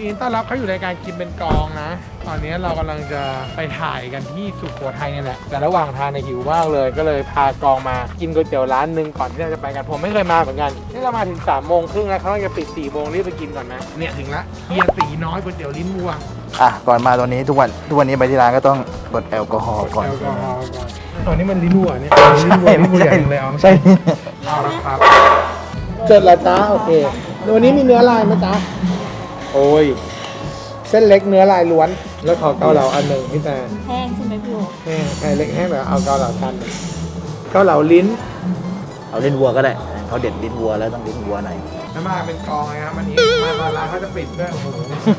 ดีต้อนรับเขาอยู่ในการกินเป็นกองนะตอนนี้เรากำลังจะไปถ่ายกันที่สุโขทัยนี่แหละแต่ระหว่างทางในหิวมากเลยก็เลยพากองมากินก๋วยเตี๋ยวร้านหนึ่งก่อนที่เราจะไปกันผมไม่เคยมาเหมือนกันนี่เรามาถึง3:30แล้วเขาจะปิด4:00รีบไปกินก่อนนะเนี่ยถึงละเฮียตีน้อยก๋วยเตี๋ยวลิ้นวัวก่อนมาตอนนี้ทุกวันนี้ไปที่ร้านก็ต้องกดแอลกอฮอล์ก่อนตอนนี้มันลิ้นวัวเนี่ยลิ้นวัวลิ้นวัวใหญ่เลยเอาใช่เอาละครับเสร็จแล้วจ้าโอเควันนี้มีเนื้อลายไหมจ๊ะโอ้ยเส้นเล็กเนื้อลายล้วนแล้วขอเกาเหลาอันหนึ่งพี่แต่แห้งใช่ไหมพี่โอแห้งไข่เล็กแห้งแบบเอาเกาเหลาทันเกาเหลาลิ้นเอาลิ้นวัวก็ได้เขาเด็ดลิ้นวัวแล้วต้องลิ้นวัวหน่อยแล้วมาเป็นกองไงครับวันนี้มาตอนร้านเขาจะปิดด้วยโอ้โห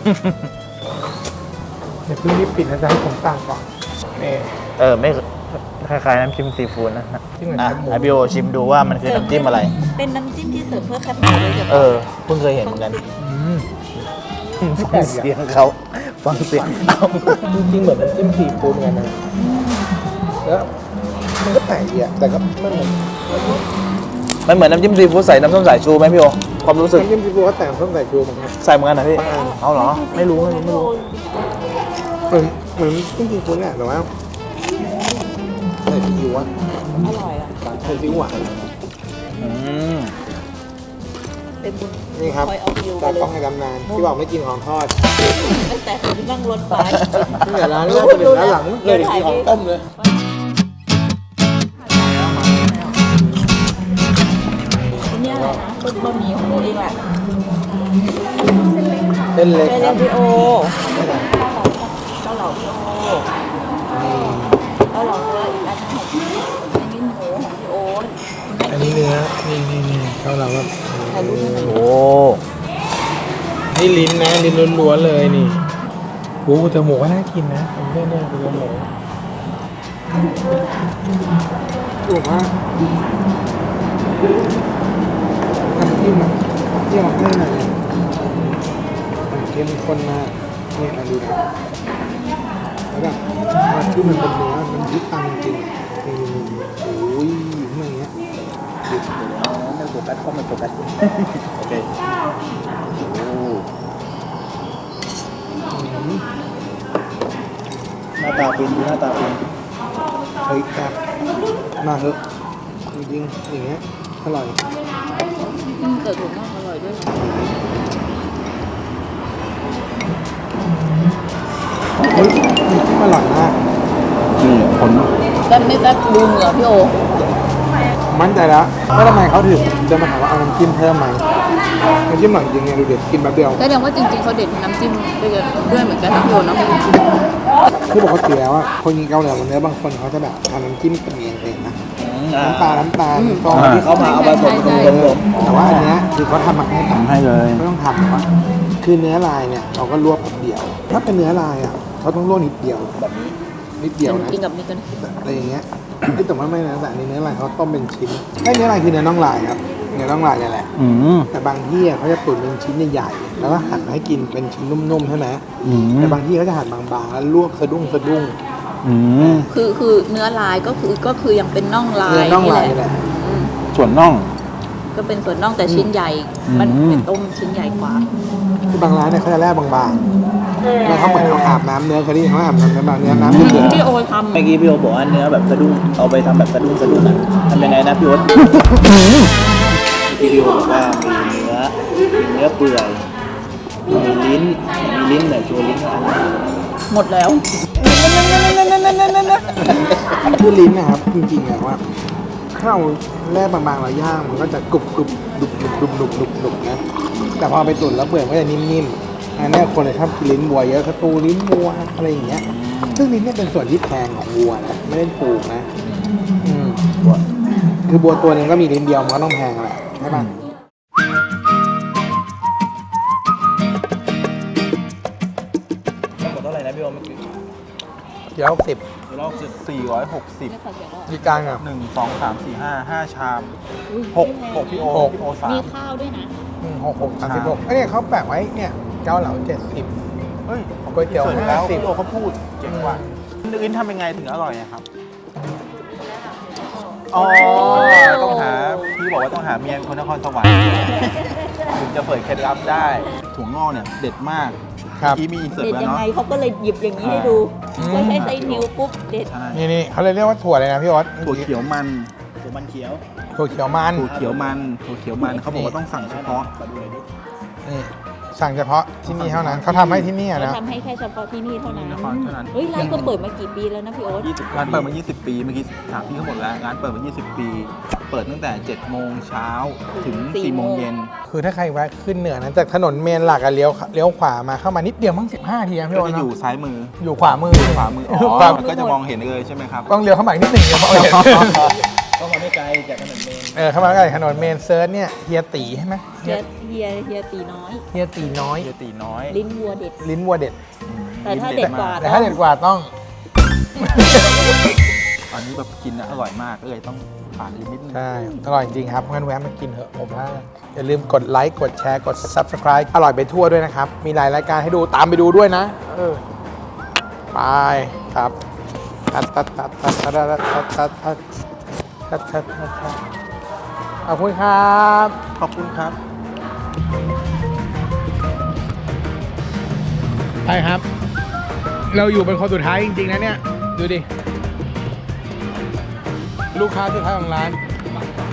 เดี๋ยวเพิ่งรีบปิดนะจ๊ะให้ผมสั่งก่อนนี่ไม่คล้ายๆน้ำจิ้มซีฟู้ดนะที่เหมือนหมูไอพี่โอชิมดูว่ามันคือน้ำจิ้มอะไรเป็นน้ำจิ้มที่เสิร์ฟเพื่อแคปหมูเลยเพิ่งเคยเห็นเหมือนกันฟังเสียงเขาฟังเสียงจริงๆเหมือนน้ำจิ้มซีฟู้ดไงนะแล้วมันก็แปลกอ่ะแต่ก็มันเหมือนน้ำจิ้มซีฟู้ดใส่น้ำส้มสายชูไหมพี่โอความรู้สึกน้ำจิ้มซีฟู้ดเขาแต่งส้มสายชูมั้งใส่เหมือนกันนะพี่เอาเหรอไม่รู้เหมือนน้ำจิ้มซีฟู้ดเนี่ยแต่ว่าใส่ซีอิ๊วอ่ะอร่อยอ่ะใส่ซีอิ๊วหวานเป็นบุญนี่ครับตากล้องให้ดำนานที่บอกไม่กินของทอดตั้งแต่ผมนั่งรถไปตั้งแต่ร้านแรกจนถึงร้านหลังเลยกินของต้มเลยนี่อะไรนะเป็นบะหมี่ของโอเองแหละเส้นเล็กครับพี่โอเกาเหลาพี่โอเกาเหลาเนื้ออีกอันนึงของพี่อันนี้หมูของพี่โออันนี้เนื้อนี่เกาเหลาแบบโอ้นี่ลิ้นนะลิ้นล้วนๆเลยนี่โอ้แต่หมูก็น่ากินนะผมเพื่อนเนี่ยเป็นหมูถูกมากน้ำจิ้มอะที่ออกให้หน่อยมันเข้มข้นมากนี่มาดูนะแล้วแบบมันคือมันเป็นเนื้อมันยึดตังจริงนี่โอ้ยอย่างเงี้ยไม่โฟกัสก็ไม่โฟกัสโอเคหน้าตาเป็นหน้าตาเป็นเฮ้ยครับมาเถอะจริงๆอย่างเงี้ยอร่อยเกิดถูกมากอร่อยด้วยเฮ้ยนี่อร่อยมากผลแซ่บไม่แซ่บดูเหงื่อพี่โอมั่นใจแล้วว่าทำไมเขาถึงจะมาถามว่าเอาน้ำจิ้มเพิ่มไหมน้ำจิ้มหลังจริงไงดูเด็ดกินแป๊บเดียวแสดงว่าจริงๆเขาเด็ดน้ำจิ้มด้วยเหมือนกันนะพี่โอเนาะคือปกติแล้วอ่ะคนกินเกาเหลาเนื้อบางคนเขาจะแบบทำน้ำจิ้มกันเองนะน้ำตาลซอสที่เขามาเอาผสมแต่ว่าอันเนี้ยคือเขาทำมาให้เลยไม่ต้องทำว่าคือเนื้อลายเนี่ยเราก็ลวกนิดเดียวถ้าเป็นเนื้อลายอ่ะเขาต้องลวกนิดเดียวแบบนี้นิดเดียวนะกินกับนี่กันอะไรอย่างเงี้ยแต่ว่าไม่นะแต่เนื้อลายเขาต้มเป็นชิ้นให้เนื้อลายคือเนื้อน่องลายครับเนื้อน่องลายนี่แหละแต่บางที่เขาจะตุ๋นเป็นชิ้นใหญ่ๆแล้วก็หั่นให้กินเป็นชิ้นนุ่มๆใช่ไหมแต่บางที่เขาจะหั่นบางๆแล้วลวกสะดุ้งคือเนื้อลายก็คือยังเป็นน่องลายนี่แหละส่วนน่องก็เป็นส่วนน่องแต่ชิ้นใหญ่มันเป็นต้มชิ้นใหญ่กว่าคือบางร้านเนี่ยเขาจะแล่บางๆแล้วเขาเหมือนเขาอาบน้ำเนื้อเขาที่เขาอาบน้ำเนื้อเดือดพี่โอทำเมื่อกี้พี่โอบอกว่าเนื้อแบบสะดุ้งเอาไปทำแบบสะดุ้งอ่ะทำยังไงนะพี่โอพี่โอบอกว่ามีเนื้อเปื่อยมีลิ้นเนี่ยชัวลิ้นหมดแล้วคือลิ้นนะครับจริงๆอะว่าข้าวแร่บางๆเราย่างมันก็จะกรุบดุบนะแต่พอไปตุ๋นแล้วเปลือกก็จะนิ่มๆอันนี้คนเลยชอบกินลิ้นวัวเยอะสตูลิ้นวัวอะไรอย่างเงี้ยซึ่งลิ้นเนี่ยเป็นส่วนที่แพงของวัวนะไม่ได้ถูกนะคือวัวตัวนึงก็มีลิ้นเดียวมันก็ต้องแพงแหละใช่ป่ะเท่าไหร่นะพี่โอเมื่อกี้ 160 รอบ460 มีกลางอ่ะ 1 2 3 4 5 ชาม6พี่โอมีข้าวด้วยนะ 36เนี่ยเขาแปะไว้เนี่ยเกาเหลา70 เฮ้ยก๋วยเตี๋ยว50 พี่โอเขาพูดเจ๋งว่ะอื่นทำยังไงถึงอร่อยครับต้องหาพี่บอกว่าต้องหาเมียคนนครสวรรค์ถึงจะเผยเคล็ดลับได้ถั่วงอกเนี่ยเด็ดมากครับเมื่อกี้มีอินเสิร์ตเด็ดแล้วยังเนาะไงเขาก็เลยหยิบอย่างนี้ให้ดูอืมก็ใช้ไซนิ้วปุ๊บเด็ดใช่นี่เขาเลยเรียกว่าถั่วเลยนะพี่ออสถั่วเขียวมันถั่วมันเขียวถั่วเขียวมันถั่วเขียวมันเขาบอกว่าต้องสั่งเฉพาะนี่สั่งเฉพาะที่นี่เท่านั้นเขาทำให้ที่นี่เขานะทำให้แค่เฉพาะที่นี่เท่านั้นนครเท่านั้นเฮ้ยร้านก็เปิดมากี่ปีแล้วนะพี่โอ๊ตร้านเปิดมา 20 ปีเมื่อกี้ถามพี่เขาหมดแล้วร้านเปิดมา 20 ปี เปิดตั้งแต่ 7 โมงเช้าถึง 4 โมงเย็นคือถ้าใครแวะขึ้นเหนือนะจากถนนเมนหลักอะเลี้ยวขวามาเข้ามานิดเดียวมั้ง15 ทีนะพี่ก็โอจะเนอยู่อะซ้ายมืออยู่ขวามือขวามือ อ๋ขวาอก็จะมองเห็นเลยใช่ไหมครับต้องเลี้ยวเข้ามาอีกนิดหนึ่งเดี๋ยวเขาเห็นก็มาไม่ไกลจากถนนเมนเข้ามาใกล้ถนนเมนเซิร์ชเนี่ยเฮียตีใช่ไหมเฮียตีน้อยเฮียตีน้อยเยตีน้อยลิ้นวัวเด็ดลิ้นวัวเด็ดแต่ถ้าเด็ดกว่าแต่ถ้าเด็ดกว่าต้องอันนี้แบบกินนะอร่อยมากเลยต้องผ่านอีกนิดนึงใช่อร่อยจริงครับงั้นแวะมากินเถอะผมว่าอย่าลืมกดไลค์กดแชร์กด Subscribe อร่อยไปทั่วด้วยนะครับ มีหลายรายการให้ดูตามไปดูด้วยนะไปครับตัดขอบคุณครับขอบคุณครับใช่ครับ เราอยู่เป็นคนสุดท้ายจริงๆนะเนี่ย ดูดิ ลูกค้าสุดท้ายของร้าน